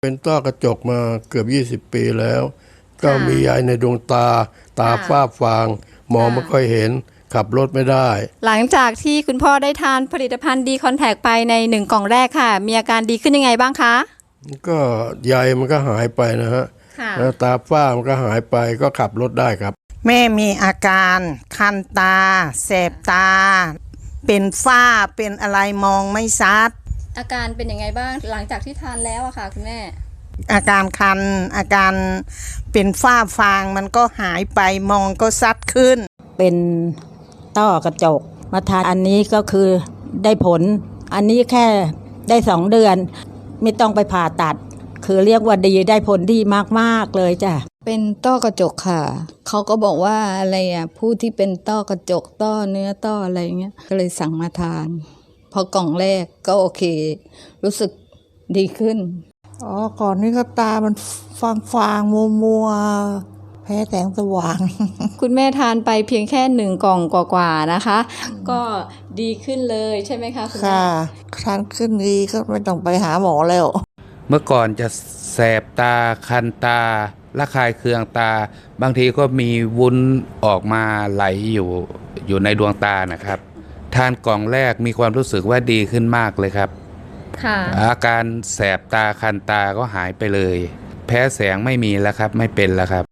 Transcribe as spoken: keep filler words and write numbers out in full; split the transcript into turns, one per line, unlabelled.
เป็นต้อกระจกมาเกือบยี่สิบปีแล้ว ก็มีใยในดวงตาตาฝ้าฟางมองไม่ค่อยเห็นขับรถไม่ได้
หลังจากที่คุณพ่อได้ทานผลิตภัณฑ์ดีคอนแทคไปในหนึ่งกล่องแรกค่ะมีอาการดีขึ้นยังไงบ้างคะ
ก็ใยมันก็หายไปนะฮะแล้วตาฝ้ามันก็หายไปก็ขับรถได้ครับ
แม่มีอาการคันตาแสบตาเป็นฝ้าเป็นอะไรมองไม่ชัด
อาการเป็นยังไงบ้างหลังจากที่ทานแล้วอะค่ะคุณแม่
อาการคันอาการเป็นฝ้าฟางมันก็หายไปมองก็ชัดขึ้น
เป็นต้อกระจกมาทานอันนี้ก็คือได้ผลอันนี้แค่ได้สองเดือนไม่ต้องไปผ่าตัดคือเรียกว่าดีได้ผลดีมากๆเลยจ้ะ
เป็นต้อกระจกค่ะเขาก็บอกว่าอะไรอ่ะผู้ที่เป็นต้อกระจกต้อเนื้อต้ออะไรเงี้ยก็เลยสั่งมาทานพอกล่องแรกก็โอเครู้สึกดีขึ้น
อ๋อก่อนนี้ก็ตามันฟางฟางมัวมัวแพ้แสงสว่าง
คุณแม่ทานไปเพียงแค่หนึ่งกล่องกว่าๆนะคะก็ดีขึ้นเลยใช่ไหมคะคุณแม่
ค่ะทานขึ้นดีก็ไม่ต้องไปหาหมอแล้ว
เมื่อก่อนจะแสบตาคันตาระคายเคืองตาบางทีก็มีวุ้นออกมาไหลอยู่อยู่ในดวงตานะครับทานกล่องแรกมีความรู้สึกว่าดีขึ้นมากเลยครับอาการแสบตาคันตาก็หายไปเลยแพ้แสงไม่มีแล้วครับไม่เป็นแล้วครับ